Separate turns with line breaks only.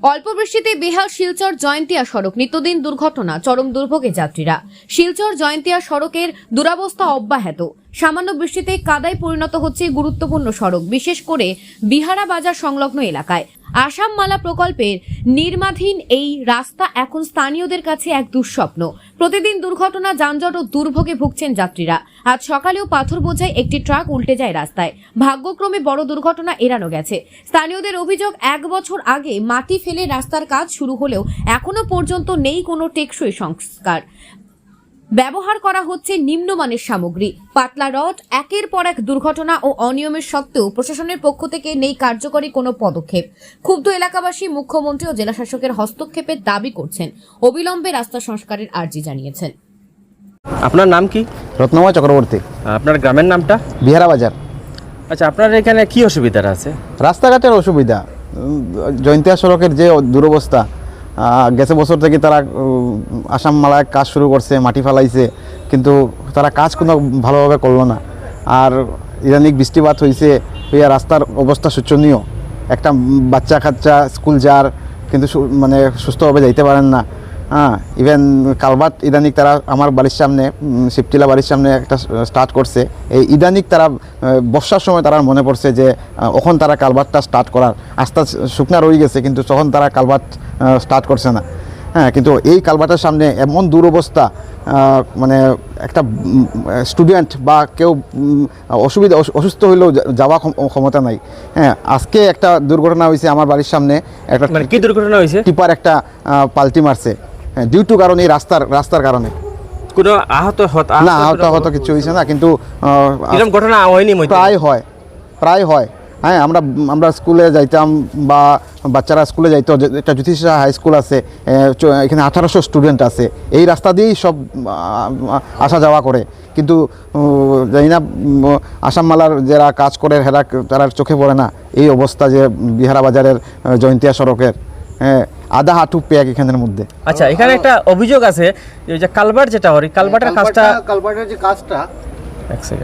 অল্প বৃষ্টিতে বেহাল শিলচর জয়ন্তিয়া সড়ক, নিত্যদিন দুর্ঘটনা, চরম দুর্ভোগে যাত্রীরা। শিলচর জয়ন্তিয়া সড়কের দুরবস্থা অব্যাহত। সামান্য বৃষ্টিতে কাদায় পরিণত হচ্ছে গুরুত্বপূর্ণ সড়ক, বিশেষ করে বিহারা বাজার সংলগ্ন এলাকায়। আসাম মালা প্রকল্পের নির্মাণাধীন এই রাস্তা এখন স্থানীয়দের কাছে এক দুঃস্বপ্ন। প্রতিদিন দুর্ঘটনা, যানজট ও দুর্ভোগে ভুগছেন যাত্রীরা। আজ সকালেও পাথর বোঝাই একটি ট্রাক উল্টে যায় রাস্তায়। ভাগ্যক্রমে বড় দুর্ঘটনা এড়ানো গেছে। স্থানীয়দের অভিযোগ, 1 বছর আগে মাটি ফেলে রাস্তার কাজ শুরু হলেও এখনো পর্যন্ত নেই কোনো টেকসই সংস্কার। ব্যবহার করা হচ্ছে নিম্নমানের সামগ্রী, পাতলা রড। একের পর এক দুর্ঘটনা ও অনিয়মের সত্ত্বেও প্রশাসনের পক্ষ থেকে নেই কার্যকরী কোনো পদক্ষেপ। ক্ষুব্ধ এলাকাবাসী মুখ্যমন্ত্রী ও জেলাশাসকের হস্তক্ষেপের দাবি করছেন। অবিলম্বে রাস্তা সংস্কারের আর্জি জানিয়েছেন।
আপনার নাম কি?
রত্নময় চক্রবর্তী।
আপনার গ্রামের নামটা?
বিহারা বাজার।
আচ্ছা, আপনার এখানে কি অসুবিধা আছে?
রাস্তাঘাটের অসুবিধা, জয়ন্তিয়া সড়কের যে দুরবস্থা। গেছে বছর থেকে তারা আসাম মালায় কাজ শুরু করছে, মাটি ফেলাইছে, কিন্তু তারা কাজ কোনো ভালোভাবে করলো না। আর ইদানিক বৃষ্টিপাত হয়েছে, রাস্তার অবস্থা শোচনীয়। একটা বাচ্চা কাচ্চা স্কুল যার, কিন্তু মানে সুস্থভাবে যাইতে পারেন না। ইভেন কালভার্ট ইদানিক তারা আমার বাড়ির সামনে, শিবটিলা বাড়ির সামনে একটা স্টার্ট করছে। এই ইদানিক তারা বর্ষার সময় তারা মনে পড়ছে যে ওখন তারা কালভার্টটা স্টার্ট করার, আস্তে শুকনা রয়ে গেছে, কিন্তু তখন তারা কালভার্ট স্টার্ট করছে না। কিন্তু এই কালভার্টের সামনে এমন দুরবস্থা, মানে একটা স্টুডেন্ট বা কেউ অসুস্থ হইলেও যাওয়া ক্ষমতা নাই। আজকে একটা দুর্ঘটনা হয়েছে আমার বাড়ির সামনে। একটা
কি দুর্ঘটনা হয়েছে?
টিপার একটা পাল্টি মারছে, ডিউ টু কারণে এই রাস্তার কারণে।
কোনো আহত
না, আহত কিছু হয়েছে না, কিন্তু
এরকম ঘটনা হয়নি?
প্রায় হয়। আমরা স্কুলে যাইতাম বা বাচ্চারা স্কুলে যাইতো। একটা জ্যোতিষা হাই স্কুল আছে, এখানে 1800 স্টুডেন্ট আছে। এই রাস্তা দিয়েই সব আসা যাওয়া করে, কিন্তু জানি না আসাম মালার যারা কাজ করে তারা চোখে পড়ে না এই অবস্থা যে বিহারা বাজারের জয়ন্তিয়া সড়কের। আধা হাঁটু প্যাক এখানের মধ্যে।
আচ্ছা, এখানে একটা অভিযোগ আছে যে কালভার্ট যেটা হয়, কালভার্টের যে কাজটা,
এক সেকেন্ড।